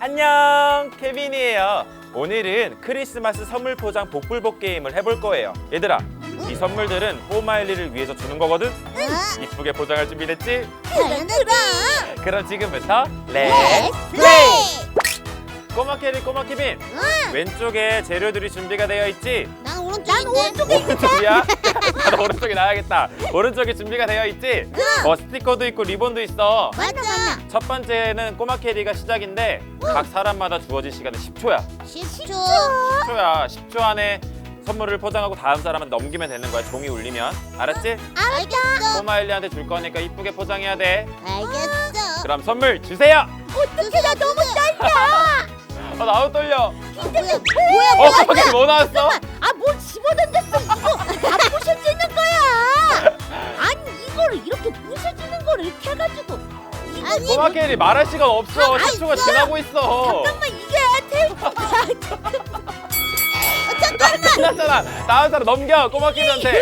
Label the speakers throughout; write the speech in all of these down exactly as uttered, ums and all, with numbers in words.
Speaker 1: 안녕, 케빈이에요. 오늘은 크리스마스 선물 포장 복불복 게임을 해볼 거예요. 얘들아, 이 선물들은 꼬마엘리를 위해서 주는 거거든?
Speaker 2: 응?
Speaker 1: 이쁘게 포장할 준비됐지?
Speaker 2: 그럼 그럼
Speaker 1: 그럼 지금부터 렛츠
Speaker 2: 렛츠
Speaker 1: 플레이! 꼬마 캐리, 꼬마 케빈,
Speaker 2: 응!
Speaker 1: 왼쪽에 재료들이 준비가 되어 있지?
Speaker 2: 난 오른쪽인데 난 오른쪽에
Speaker 1: 오른쪽이야? 나도 오른쪽에 나야겠다. 오른쪽에 준비가 되어 있지?
Speaker 2: 응!
Speaker 1: 뭐 스티커도 있고 리본도 있어.
Speaker 2: 맞아
Speaker 1: 첫 번째는 꼬마 캐리가 시작인데 각 사람마다 주어진 시간은 십 초야.
Speaker 2: 십 초
Speaker 1: 십 초야. 십 초 안에 선물을 포장하고 다음 사람한테 넘기면 되는 거야. 종이 울리면. 알았지?
Speaker 2: 알겠어
Speaker 1: 꼬마 엘리한테 줄 거니까 이쁘게 포장해야 돼.
Speaker 2: 알겠어
Speaker 1: 그럼 선물 주세요.
Speaker 2: 어떡해 나 너무 떨려
Speaker 1: 아, 나도 떨려.
Speaker 2: 근데 뭐야
Speaker 1: 어, 꼬마 캐리 뭐 나왔어?
Speaker 2: 아뭘 집어던졌어 이거 다 부셔지는 거야 아니 이거를 이렇게 부셔지는 거를 이렇게 해가지고 아니
Speaker 1: 꼬마 캐리 말할 시간 없어.
Speaker 2: 아,
Speaker 1: 십 초가
Speaker 2: 있어.
Speaker 1: 지나고 있어.
Speaker 2: 잠깐만 이게 테이프가
Speaker 1: 끝났잖아. 다음 사람 넘겨. 꼬마 캐리한테.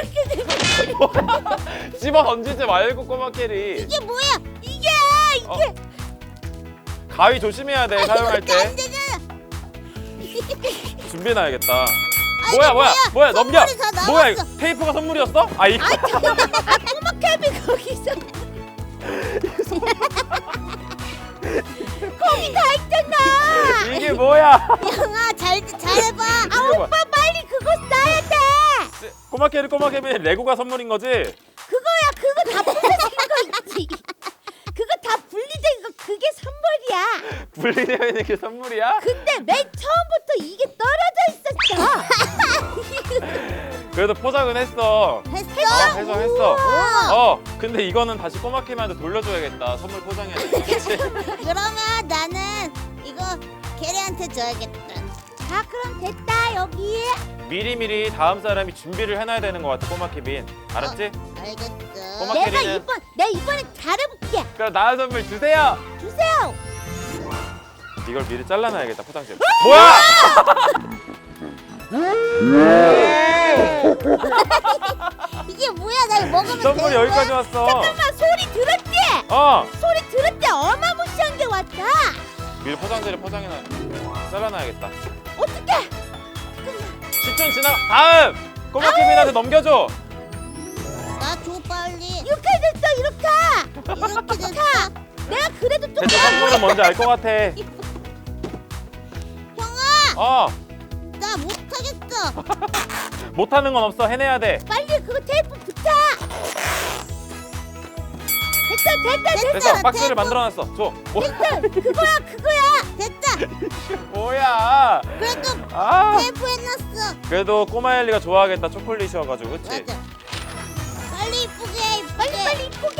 Speaker 1: 집어 던지지 말고 꼬마 캐리.
Speaker 2: 이게 뭐야 이게 이게
Speaker 1: 어, 가위 조심해야 돼. 사용할
Speaker 2: 이렇게 안
Speaker 1: 때.
Speaker 2: 되잖아
Speaker 1: 준비해놔야겠다.
Speaker 2: 아,
Speaker 1: 뭐야
Speaker 2: 이게
Speaker 1: 뭐야 뭐야 넘겨.
Speaker 2: 선물이 다 나왔어.
Speaker 1: 뭐야 이거 테이프가 선물이었어? 아 이거.
Speaker 2: 아 잠깐만 아 꼬마 캐비 거기서 거기 다 있잖아
Speaker 1: 이게 뭐야?
Speaker 2: 영아 잘 잘해봐 아
Speaker 1: 이게 뭐야?
Speaker 2: 오빠 빨리 그거 써야 돼
Speaker 1: 꼬마 캐리 꼬마 캐리 레고가 선물인 거지?
Speaker 2: 그거야 그거 다 부서진 거 있지 그거 다 분리된 거 그게 선물이야
Speaker 1: 분리되어 있는 게 선물이야?
Speaker 2: 근데 맨 처음부터 이게 떨어져 있었어
Speaker 1: 그래도 포장은 했어.
Speaker 2: 했어?
Speaker 1: 어, 했어 했어.
Speaker 2: 우와.
Speaker 1: 어 근데 이거는 다시 꼬마 캐리한테 돌려줘야겠다. 선물 포장해야 돼. 그치?
Speaker 2: 그러면 나는 이거 캐리한테 줘야겠다 자 그럼 됐다 여기
Speaker 1: 미리미리 다음 사람이 준비를 해놔야 되는 것 같아 꼬마 케빈. 알았지?
Speaker 2: 알겠어
Speaker 1: 꼬마
Speaker 2: 내가
Speaker 1: 캐리는-
Speaker 2: 이번 내가 이번에 잘해볼게
Speaker 1: 그럼 나은 선물 주세요.
Speaker 2: 주세요
Speaker 1: 이걸 미리 잘라놔야겠다 포장지. 뭐야?
Speaker 2: 이게 뭐야 나 이거 먹으면
Speaker 1: 선물이
Speaker 2: 되는
Speaker 1: 여기까지
Speaker 2: 거야?
Speaker 1: 왔어.
Speaker 2: 잠깐만 소리 들었지?
Speaker 1: 어
Speaker 2: 소리 들었지? 어마무시한 게 왔다
Speaker 1: 미리 포장지를 포장해놔. 잘라놔야겠다.
Speaker 2: 어떡해
Speaker 1: 십 초 지나. 다음 꼬마 케빈한테 넘겨줘.
Speaker 2: 나 줘 빨리 이렇게 됐어 이렇게 이렇게 됐어 내가 그래도 좀
Speaker 1: 대체 선물은 뭔지 알 것 같아.
Speaker 2: 형아
Speaker 1: 어
Speaker 2: 나 못하겠어
Speaker 1: 못하는 건 없어. 해내야 돼.
Speaker 2: 빨리 그거 테이프 붙여 됐다 됐다 됐다
Speaker 1: 됐어. 박스를 만들어놨어. 줘. 뭐,
Speaker 2: 됐다 그거야 그거야 됐다
Speaker 1: 뭐야?
Speaker 2: 그래도
Speaker 1: 아
Speaker 2: 테이프 해놨어
Speaker 1: 그래도 꼬마 엘리가 좋아하겠다. 초콜릿이어가지고 그치?
Speaker 2: 맞아 빨리 이쁘게 해, 이쁘게 빨리 빨리 이쁘게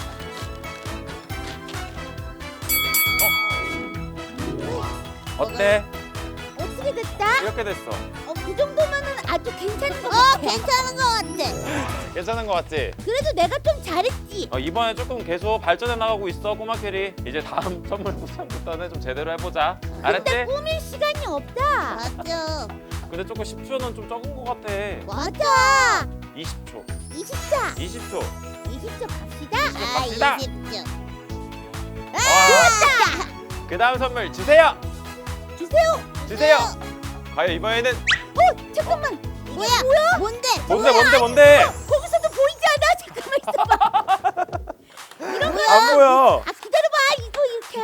Speaker 1: 어때?
Speaker 2: 어떻게 됐다?
Speaker 1: 이렇게 됐어.
Speaker 2: 어, 그 정도면은 아주 괜찮은 거 같아. 어, 괜찮은 거 같아.
Speaker 1: 괜찮은 것 같지?
Speaker 2: 그래도 내가 좀 잘했지.
Speaker 1: 어, 이번에 조금 계속 발전해 나가고 있어 꼬마 캐리. 이제 다음 선물 포장부터는 좀 제대로 해보자.
Speaker 2: 근데
Speaker 1: 알았지?
Speaker 2: 꾸밀 시간이 없다. 맞아.
Speaker 1: 근데 조금 십 초는 좀 적은 것 같아.
Speaker 2: 맞아.
Speaker 1: 이십 초.
Speaker 2: 이십 초.
Speaker 1: 이십 초.
Speaker 2: 이십 초 갑시다.
Speaker 1: 아, 갑시다.
Speaker 2: 이십 초.
Speaker 1: 와.
Speaker 2: 좋았다.
Speaker 1: 그 다음 선물 주세요.
Speaker 2: 주세요.
Speaker 1: 주세요. 과연 이번에는
Speaker 2: 어, 잠깐만. 뭐야? 뭐야? 뭔데?
Speaker 1: 뭔데 뭔데 뭔데?
Speaker 2: 거기서도 보이지 않아? 잠깐만 있어봐. 이런 거야.
Speaker 1: 안 보여.
Speaker 2: 아 기다려봐 이거 이렇게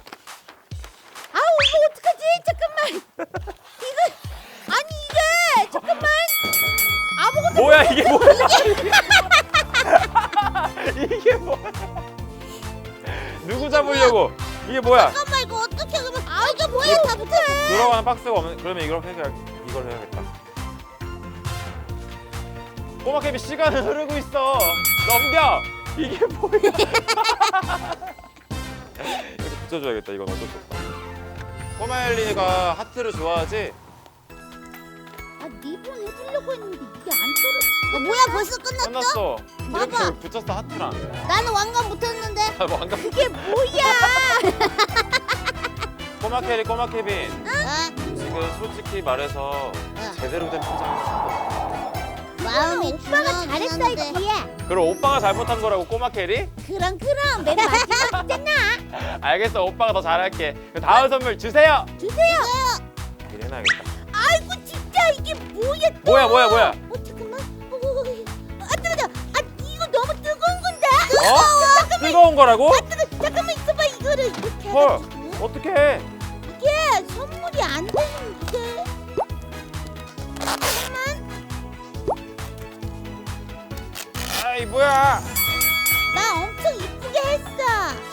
Speaker 2: 아우 이거 어떡하지 잠깐만 이거 아니 이게 잠깐만 아무것도
Speaker 1: 뭐야 이게 뭐야? 이게 뭐야? 누구 잡으려고? 이게 뭐야?
Speaker 2: 잠깐만 이거 어떻게 그러면 아 이게 뭐야 다 붙어
Speaker 1: 들어가는 박스가 없는. 그러면 이걸 해야 이걸 해야겠다. 꼬마 캐비 시간은 흐르고 있어. 넘겨. 이게 뭐야? 이렇게 붙여줘야겠다. 이건 어쩔 수 없다. 꼬마 엘리가 하트를 좋아하지?
Speaker 2: 아 리본 해주려고 했는데 이게 안 떨어져 어, 뭐야 벌써 끝났어?
Speaker 1: 끝났어. 이렇게
Speaker 2: 봐봐.
Speaker 1: 붙였어 하트랑.
Speaker 2: 나는 왕관 못했는데
Speaker 1: 아, 뭐 안가?
Speaker 2: 그게 뭐야
Speaker 1: 꼬마 캐리 꼬마 케빈.
Speaker 2: 아,
Speaker 1: 지금 솔직히 말해서
Speaker 2: 어.
Speaker 1: 제대로 된 포장을 한 거.
Speaker 2: 마음이 오빠가 잘했어 했지.
Speaker 1: 그럼 오빠가 잘못한 거라고 꼬마 캐리?
Speaker 2: 그럼 그럼 맨 마지막이잖아.
Speaker 1: 알겠어, 오빠가 더 잘할게. 그럼 다음 선물 주세요.
Speaker 2: 주세요.
Speaker 1: 이래놔야겠다.
Speaker 2: 아이고 진짜 이게 뭐야 또.
Speaker 1: 뭐야 뭐야 뭐야?
Speaker 2: 어 잠깐만. 어, 아 뜨거워. 아 이거 너무 뜨거운 건데.
Speaker 1: 어? 뜨거운 거라고?
Speaker 2: 아 뜨거. 잠깐만 있어봐 이거를 이렇게
Speaker 1: 헐,
Speaker 2: 해가지고
Speaker 1: 어떡해?
Speaker 2: 이게 선물이 안 되는 이게. 잠깐만.
Speaker 1: 아이 뭐야?
Speaker 2: 나 엄청 이쁘게 했어.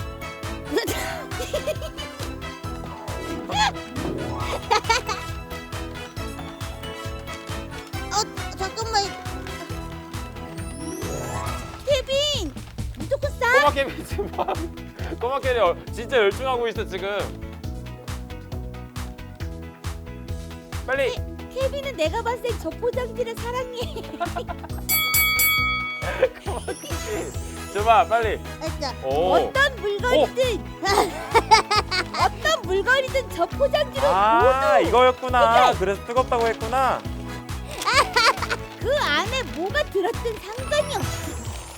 Speaker 2: 어 잠깐만. 케빈 무조건 싸.
Speaker 1: 꼬마 캐리 지금 봐. 꼬마 캐리 어, 진짜 열중하고 있어 지금. 빨리.
Speaker 2: 케빈은 내가 봤을 땐 저 포장지를 사랑해.
Speaker 1: 꼬마 캐리. 줘봐 빨리. 오.
Speaker 2: 어떤 물건이든 어떤 물건이든 저 포장지로
Speaker 1: 아
Speaker 2: 모두
Speaker 1: 이거였구나. 그래서 뜨겁다고 했구나.
Speaker 2: 그 안에 뭐가 들었든 상관이 없어.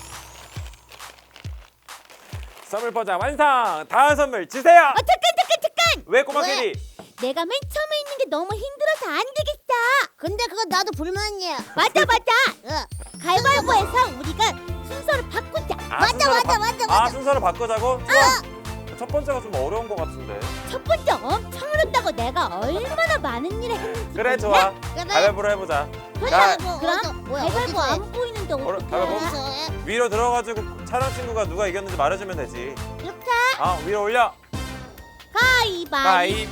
Speaker 1: 선물 포장 완성. 다음 선물 주세요.
Speaker 2: 어 잠깐 잠깐 잠깐.
Speaker 1: 왜 꼬마
Speaker 2: 왜?
Speaker 1: 캐리?
Speaker 2: 내가 맨 처음에 있는 게 너무 힘들어서 안 되겠어. 근데 그건 나도 불만이야. 맞아 맞아. 가위바위보해서 우리가 순서를 바꾸자.
Speaker 1: 아,
Speaker 2: 맞아
Speaker 1: 순서를
Speaker 2: 맞아
Speaker 1: 바-
Speaker 2: 맞아
Speaker 1: 아
Speaker 2: 맞아.
Speaker 1: 순서를 바꾸자고? 좋아. 첫 번째가 좀 어려운 것 같은데.
Speaker 2: 첫 번째 엄청 어렵다고 내가 얼마나 많은 일을 했는지.
Speaker 1: 그래
Speaker 2: 몰라?
Speaker 1: 좋아.
Speaker 2: 그래.
Speaker 1: 가위바위보로 해보자.
Speaker 2: 가위바위보. 그럼 가위바위보 안 보이는데
Speaker 1: 어려-
Speaker 2: 어떻게?
Speaker 1: 가위바위보? 위로 들어가지고 촬영 친구가 누가 이겼는지 말해주면 되지.
Speaker 2: 이렇게
Speaker 1: 아 위로 올려.
Speaker 2: 가위바위보.
Speaker 1: 가위보.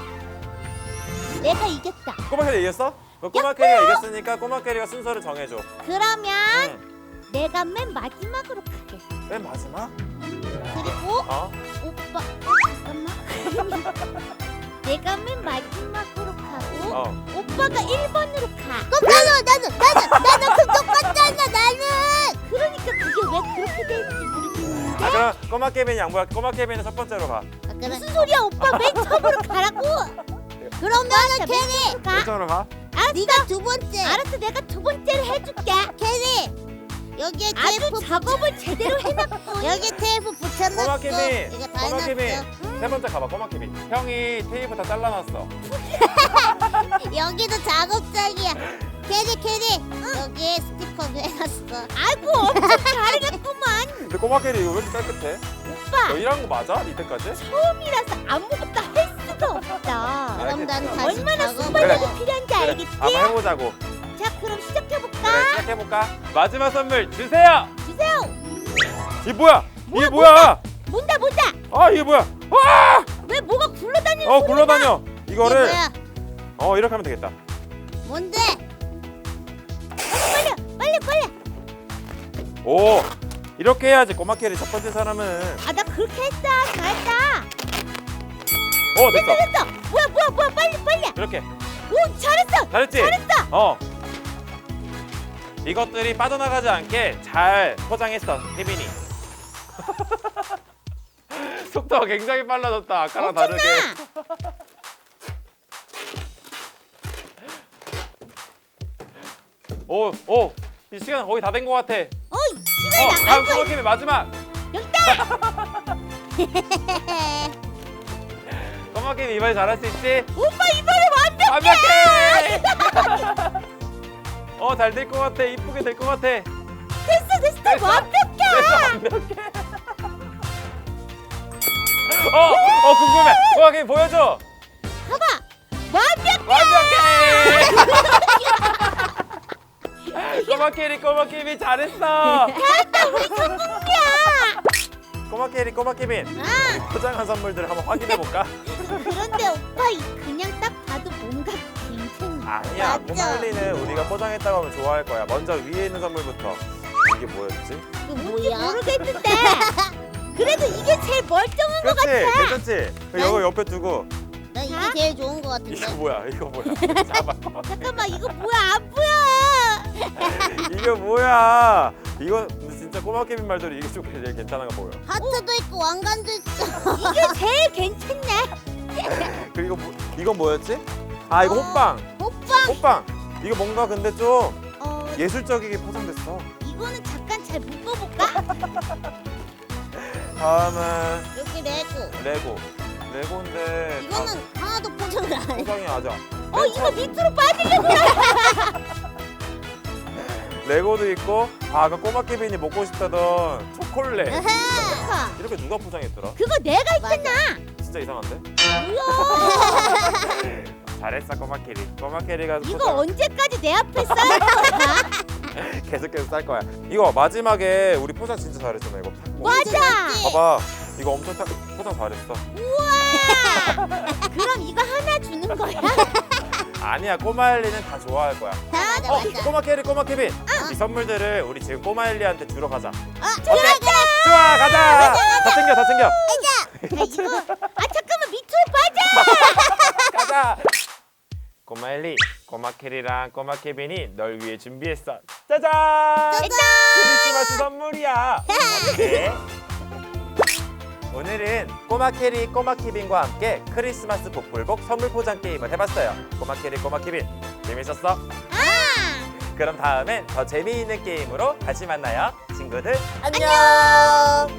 Speaker 2: 내가 이겼다.
Speaker 1: 꼬마 캐리 이겼어? 그럼 꼬마 캐리가 이겼으니까 꼬마 캐리가 순서를 정해줘.
Speaker 2: 그러면
Speaker 1: 응.
Speaker 2: 내가 맨 마지막으로 가겠어.
Speaker 1: 맨 마지막?
Speaker 2: 그리고
Speaker 1: 어?
Speaker 2: 오빠 어, 잠깐만. 내가 맨 마지막으로 가고
Speaker 1: 어.
Speaker 2: 오빠가 일 번으로 가. 그럼 나는 나는 나는 나는 그 똑같잖아 나는. 그러니까 그게 왜 그렇게 되는지 모르겠는데.
Speaker 1: 아 그럼 꼬마 케빈이 양보야. 꼬마 케빈은 첫 번째로 가.
Speaker 2: 무슨 소리야 오빠 맨 처음으로 가라고. 그러면은 캐리 가.
Speaker 1: 왼쪽으로 가.
Speaker 2: 알았어. 네가 두 번째. 알았어 내가 두 번째를 해줄게. 캐리. 여기에 테이프 작업을 제대로 해놨고 여기 테이프 붙여놨어.
Speaker 1: 꼬마 케빈.
Speaker 2: 이거 다
Speaker 1: 꼬마
Speaker 2: 해놨어.
Speaker 1: 케빈. 세 번째 가봐. 꼬마 케빈. 형이 테이프 다 잘라놨어.
Speaker 2: 여기도 작업장이야. 캐리 캐리 여기에 스티커도 해놨어. 아이고 엄청 잘해놨구만.
Speaker 1: 근데 꼬마 캐리 이거 왜 이렇게 깨끗해?
Speaker 2: 오빠
Speaker 1: 너 일한 거 맞아? 이때까지?
Speaker 2: 처음이라서 아무것도 할 수가 없다.
Speaker 1: 그럼 난
Speaker 2: 다시 얼마나
Speaker 1: 작업을-
Speaker 2: 순발력이
Speaker 1: 그래.
Speaker 2: 필요한지
Speaker 1: 그래.
Speaker 2: 알겠지?
Speaker 1: 한번 해보자고.
Speaker 2: 자 그럼 시작해볼까?
Speaker 1: 그래 시작해볼까? 마지막 선물 주세요.
Speaker 2: 주세요.
Speaker 1: 이게 뭐야?
Speaker 2: 뭐야,
Speaker 1: 이게 뭐야?
Speaker 2: 뭔다 뭔다.
Speaker 1: 아 이게 뭐야? 와!
Speaker 2: 왜 뭐가 굴러다니는
Speaker 1: 어
Speaker 2: 소리가
Speaker 1: 굴러다녀. 이거를
Speaker 2: 이게 뭐야?
Speaker 1: 어 이렇게 하면 되겠다.
Speaker 2: 뭔데? 빨리 빨리 빨리.
Speaker 1: 오 이렇게 해야지 꼬마 캐리 첫 번째 사람은.
Speaker 2: 아 나 그렇게 했어. 잘했다.
Speaker 1: 오
Speaker 2: 됐어
Speaker 1: 됐어.
Speaker 2: 됐어. 뭐야 뭐야 뭐야 빨리 빨리.
Speaker 1: 이렇게
Speaker 2: 오 잘했어.
Speaker 1: 잘했지?
Speaker 2: 잘했어.
Speaker 1: 어. 이것들이 빠져나가지 않게 잘 포장했어 케빈이. 속도가 굉장히 빨라졌다. 아까랑 다르게.
Speaker 2: 엄청나.
Speaker 1: 오, 오, 이 시간 거의 다 된 것 같아.
Speaker 2: 어
Speaker 1: 어,
Speaker 2: 시간이
Speaker 1: 다음
Speaker 2: 나가고
Speaker 1: 꼬마 케빈 마지막. 꼬마 케빈 이번에 잘할 수 있지?
Speaker 2: 오빠 이번에 완벽해.
Speaker 1: 완벽해. 어, 잘 될 것 같아. 이쁘게 될 것 같아.
Speaker 2: 됐어 됐어,
Speaker 1: 됐어.
Speaker 2: 완벽해.
Speaker 1: 됐어, 완벽해. 어, 어 궁금해. 꼬마 케빈 보여줘.
Speaker 2: 봐봐 완벽해.
Speaker 1: 완벽해. 꼬마 캐리, 꼬마 케빈 잘했어.
Speaker 2: 잘했다 우리 성공이야.
Speaker 1: 꼬마 캐리, 꼬마 케빈.
Speaker 2: 아
Speaker 1: 포장한 선물들 한번 확인해 볼까?
Speaker 2: 그런데 오빠 이 그냥 딱 봐도 뭔가 괜찮아.
Speaker 1: 아니야,
Speaker 2: 맞아.
Speaker 1: 꼬마일리는 우리가 포장했다고 하면 좋아할 거야. 먼저 위에 있는 선물부터. 이게 뭐였지?
Speaker 2: 이거 뭐야? 모르겠는데. 그래도 이게 제일 멀쩡한 것
Speaker 1: 그렇지,
Speaker 2: 같아.
Speaker 1: 괜찮지? 이거 옆에 두고.
Speaker 2: 나 이게
Speaker 3: 자?
Speaker 2: 제일 좋은 것 같은데.
Speaker 1: 이거 뭐야? 이거 뭐야? 잡아.
Speaker 2: 잠깐만 이거 뭐야 안 보여.
Speaker 1: 이거 뭐야? 이거 진짜 꼬마 케빈 말대로 이게 좀 제일 괜찮은 거 보여.
Speaker 2: 하트도 있고 왕관도 있어. 이게 제일 괜찮네.
Speaker 1: 그리고 뭐, 이건 뭐였지? 아 이거
Speaker 2: 어.
Speaker 1: 호빵.
Speaker 2: 오빠
Speaker 1: 호빵. 이거 뭔가 근데 좀
Speaker 2: 어
Speaker 1: 예술적이게 포장됐어.
Speaker 2: 이거는 잠깐 잘 묶어볼까?
Speaker 1: 다음은
Speaker 2: 여기 레고.
Speaker 1: 레고. 레고인데
Speaker 2: 이거는 하나도 포장을 안
Speaker 1: 아,
Speaker 2: 해.
Speaker 1: 포장이 맞아.
Speaker 2: 어 이거 밑으로 빠지려고.
Speaker 1: 레고도 있고, 아, 아까 꼬마 케빈이 먹고 싶다던 초콜릿.
Speaker 2: 아하.
Speaker 1: 이렇게 누가 포장했더라?
Speaker 2: 그거 내가 있잖아.
Speaker 1: 진짜 이상한데?
Speaker 2: 뭐야?
Speaker 1: 잘했어, 꼬마 캐리. 꼬마 캐리가
Speaker 2: 이거
Speaker 1: 포장
Speaker 2: 언제까지 내 앞에 쌓을 거야?
Speaker 1: 계속해서 쌀 거야. 이거 마지막에 우리 포장 진짜 잘했잖아. 이거 탁 먹-
Speaker 2: 맞아.
Speaker 1: 봐봐, 이거 엄청 탁 포장 잘했어.
Speaker 2: 우와. 그럼 이거 하나 주는 거야?
Speaker 1: 아니야, 꼬마 엘리는 다 좋아할 거야.
Speaker 2: 맞아
Speaker 1: 어, 꼬마 캐리, 꼬마 케빈. 이 선물들을 우리 지금 꼬마 엘리한테 주러 가자.
Speaker 2: 어, 들어가.
Speaker 1: 좋아, 가자. 다 챙겨, 다 챙겨.
Speaker 2: 야, 이거 아 잠깐만 밑으로 빠져.
Speaker 1: 가자. 꼬마 엘리, 꼬마 캐리랑 꼬마 케빈이 널 위해 준비했어. 짜잔! 크리스마스 선물이야. 어때? 오늘은 꼬마 캐리, 꼬마 케빈과 함께 크리스마스 복불복 선물 포장 게임을 해봤어요. 꼬마 캐리, 꼬마 케빈, 재밌었어?
Speaker 2: 아.
Speaker 1: 그럼 다음엔 더 재미있는 게임으로 다시 만나요. 친구들,
Speaker 2: 안녕.